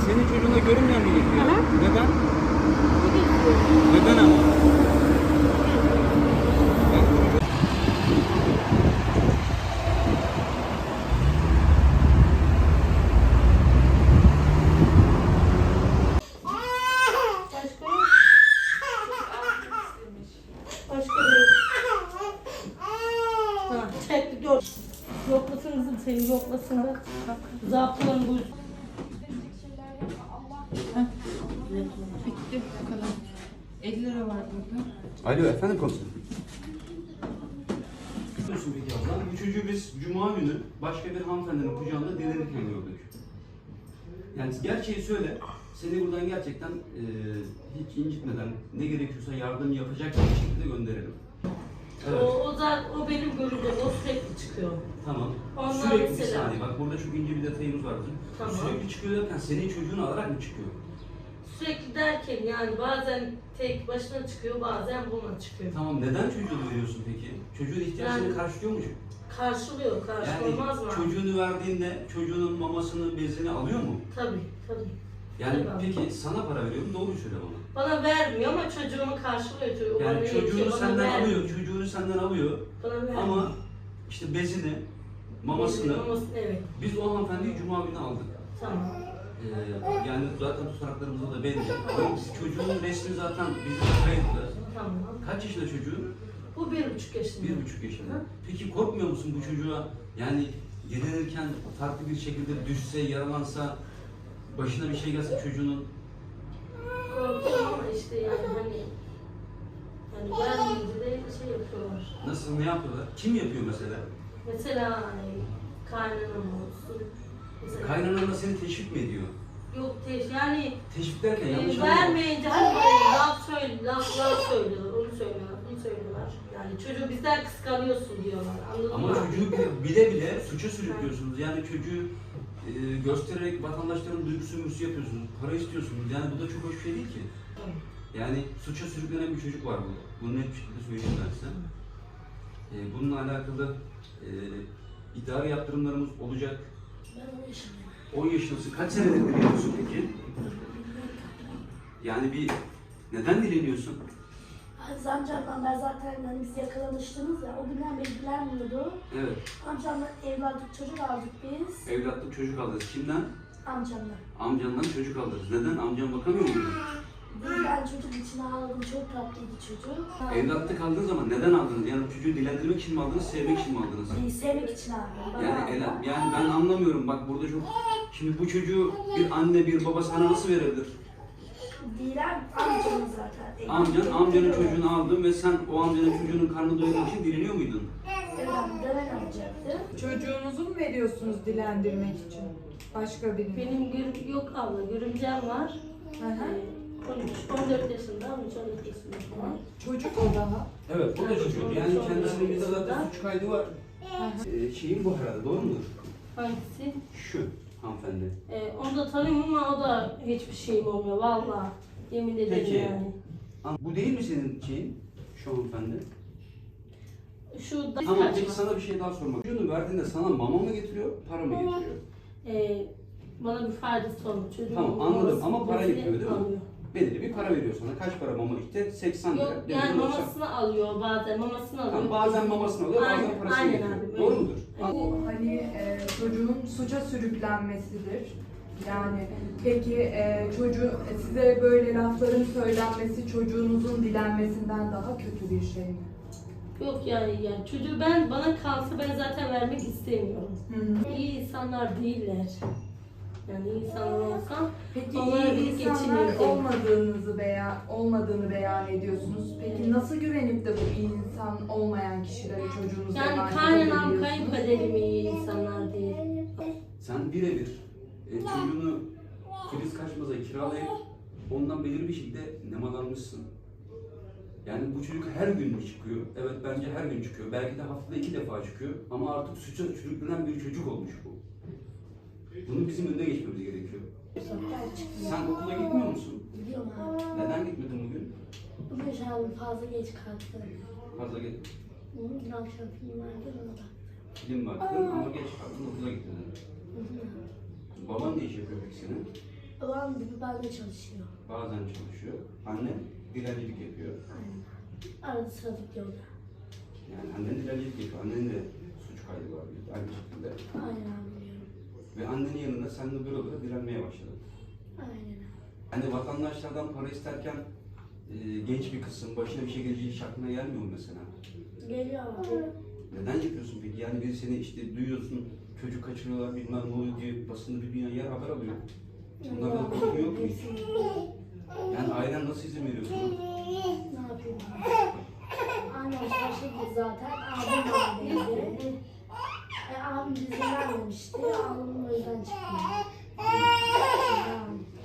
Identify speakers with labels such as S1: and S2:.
S1: senin çocuğuna görünmeyen mi geziyor?
S2: Aha.
S1: Neden?
S2: Bu geziyor.
S1: Neden ama?
S2: Başka yok. Başka da yok. Ha, çekti gör. Yoklasın kızım seni yoklasın bak. Zaptların bu.
S3: Bitti bu kadar. 50 lira var burada.
S1: Alo efendim komiserim. Biliyorsun peki abla, bu çocuğu biz cuma günü başka bir hanımefendinin kucağında dilenirken gördük. Yani gerçeği söyle, seni buradan gerçekten hiç incitmeden ne gerekiyorsa yardım yapacak bir şekilde gönderelim. Evet.
S2: O benim görüldüğüm, o sürekli çıkıyor.
S1: Tamam.
S2: Ondan
S1: Sürekli bir
S2: mesela-
S1: saniye, bak burada çok ince bir detayımız var bizim.
S2: Tamam.
S1: Sürekli çıkıyor derken senin çocuğunu alarak mı çıkıyor?
S2: Sürekli derken yani bazen tek başına çıkıyor, bazen buna çıkıyor.
S1: Tamam, neden çocuğunu veriyorsun peki? Çocuğun ihtiyaçlarını
S2: Yani-
S1: karşılıyor mu?
S2: Karşılıyor, karşılamaz mı?
S1: Çocuğunu verdiğinde çocuğunun mamasını, bezini alıyor mu?
S2: Tabii, tabii.
S1: Yani
S2: Tabii.
S1: peki sana para veriyor mu? Doğru söyle bana.
S2: Bana vermiyor ama çocuğumu karşılıyor. Çocuğu bana
S1: Yani
S2: yetiyor,
S1: çocuğunu
S2: bana
S1: senden
S2: vermiyor.
S1: alıyor, çocuğunu senden alıyor
S2: Bana vermiyor.
S1: ama işte bezini, mamasını
S2: Evet,
S1: biz o hanımefendiyi cuma günü aldık.
S2: tamam.
S1: Yani zaten tutanaklarımızda da belli. Ama çocuğun resmi zaten bizde kayıtlı.
S2: Tamam.
S1: Kaç yaşında çocuğun?
S2: Bu 1,5 yaşında.
S1: 1,5 yaşında. Peki korkmuyor musun bu çocuğa yani dilenirken farklı bir şekilde düşse, yaralansa, başına bir şey gelse çocuğunun?
S2: Korkuyorum ama işte yani hani vermeyince de şey yapıyorlar.
S1: Nasıl, ne yapıyorlar? Kim yapıyor mesela?
S2: Mesela hani kaynanam olsun. Mesela,
S1: Kaynanan da seni teşvik mi ediyor?
S2: yok yani
S1: Teşvik derken yanlış anlama.
S2: vermeyince hani böyle laflar söylüyorlar, onu söylüyorlar, bunu söylüyorlar. Yani çocuğu bizden kıskanıyorsun diyorlar, anladın
S1: Ama
S2: mı?
S1: çocuğu bile bile suça sürüklüyorsunuz. Yani çocuğu göstererek vatandaşların duygusu mürüsü yapıyorsunuz. Para istiyorsunuz. Yani bu da çok hoş bir şey değil ki. Yani suça sürüklenen bir çocuk var burada. Bunu net bir şekilde söyleyeyim ben size. Bununla alakalı idari yaptırımlarımız olacak.
S2: Ben 10 yaşındayım.
S1: 10 yaşındasın. Kaç senedir dileniyorsun peki? Yani neden dileniyorsun?
S4: Amcamdan ben zaten hani biz yakalanıştınız ya, o günden beri dilenmiyordu.
S1: Evet.
S4: Amcamdan evlatlık çocuk aldık biz.
S1: Evlatlık çocuk alırız. Kimden?
S4: Amcamdan.
S1: Amcandan çocuk alırız. Neden? Amcan bakamıyor muydu?
S4: Ben çocuk için aldım, çok tatlıydı çocuk.
S1: Evlatlık aldığınız zaman neden aldınız? Yani çocuğu dilendirmek için mi aldınız, sevmek için mi aldınız?
S4: Sevmek için aldım.
S1: Yani ben anlamıyorum. Bak burada çok... Şimdi bu çocuğu bir anne, bir baba sana nasıl verebilir?
S4: Dilen amcamın zaten.
S1: Amcanın çocuğunu aldın ve sen o amcanın çocuğunun karnını doyurmak için dileniyor muydun?
S4: Evet, döven alacaktı.
S3: Çocuğunuzu mu veriyorsunuz dilendirmek için? Başka birini?
S2: Benim yok abla, görümcem var.
S3: Hı hı.
S2: 14 yaşında, 13-14 yaşında falan.
S3: Çocuk o daha.
S1: Evet, o da çocuk. Yani kendisinin bir de zaten suç kaydı var. Şeyin bu herhalde, doğru mudur?
S2: Hangisi?
S1: Şu hanımefendi.
S2: Onu da tanıyorum ama o da hiçbir şeyim olmuyor vallahi. Yemin ederim
S1: Peki.
S2: yani.
S1: Bu değil mi senin şeyin? Şu hanımefendi.
S2: Şu da
S1: Tamam, peki
S2: kaçma.
S1: sana bir şey daha sormak. Çocuğunu verdiğinde sana mama mı getiriyor, para mı getiriyor?
S2: Bana bir faydası olmuyor. Çocuğun
S1: Tamam, anladım
S2: mamasını
S1: ama para
S2: bezini
S1: getiriyor değil mi?
S2: alıyor.
S1: Belirli bir para veriyor sana. Kaç para mama? İşte 80 lira.
S2: Yok
S1: demir
S2: yani
S1: 90.
S2: mamasını alıyor bazen, mamasını alıyor.
S1: Tamam, bazen mamasını alıyor, bazen
S2: Aynen,
S1: parasını
S2: aynen
S1: getiriyor.
S2: abi,
S1: Doğru
S2: öyle.
S1: mudur?
S3: Bu hani çocuğun suça sürüklenmesidir. Yani peki çocuğu size böyle lafların söylenmesi çocuğunuzun dilenmesinden daha kötü bir şey mi?
S2: Yok yani çocuğu bana kalsa ben zaten vermek istemiyorum. İyi insanlar değiller. Yani iyi insanlar olsa
S3: Peki
S2: onlara
S3: iyi
S2: bir
S3: insanlar
S2: geçinirdim.
S3: olmadığını beyan ediyorsunuz. Peki nasıl güvenip de bu iyi insan olmayan kişilere çocuğunuzu
S2: Yani
S3: emanet
S2: kaynanam,
S3: edebiliyorsunuz?
S2: kayınpederim iyi insanlar değil.
S1: Sen birebir çocuğunu Filiz Kaçmaz'a kiralayıp ondan belirli bir şekilde nemalanmışsın. Yani bu çocuk her gün mü çıkıyor? Evet, bence her gün çıkıyor. Belki de haftada 2 defa çıkıyor. Ama artık suça sürüklenen bir çocuk olmuş bu. Bunun bizim önüne geçmemiz gerekiyor. Sen okula gitmiyor musun?
S4: Biliyorum abi.
S1: Neden gitmedin bugün?
S4: Bugün şahım fazla geç kalktım.
S1: Fazla git.
S4: Dün akşam film vardı, ona baktım.
S1: Film baktın ama geç kaldın, okula gitmedin. Baban ne iş yapıyor peki senin?
S4: Babam ben de çalışıyor.
S1: Bazen çalışıyor. Anne dilencilik yapıyor.
S4: Aynen. Arada sırada gidiyorlar.
S1: Yani annen dilencilik yapıyor. Annenin de suç kaydı var aynı şekilde.
S4: Aynen abi biliyorum.
S1: Ve annenin yanında sen de böyle direnmeye başladın.
S4: Aynen.
S1: Hani vatandaşlardan para isterken genç bir kızsın, başına bir şey geleceği hiç aklına gelmiyor mu mesela?
S4: Geliyor abi.
S1: Neden yapıyorsun peki? Yani biri seni işte duyuyorsun, çocuk kaçırıyorlar bilmem ne oluyor diye basında bir dünya yer haber alıyor. Bunlardan korkun yok mu hiç? Yani ailen nasıl izin veriyor sana?
S4: Ne yapayım? Annem şaşırdı zaten. Abim oradaydı. Abim izin vermemişti. Abim o yüzden çıktı.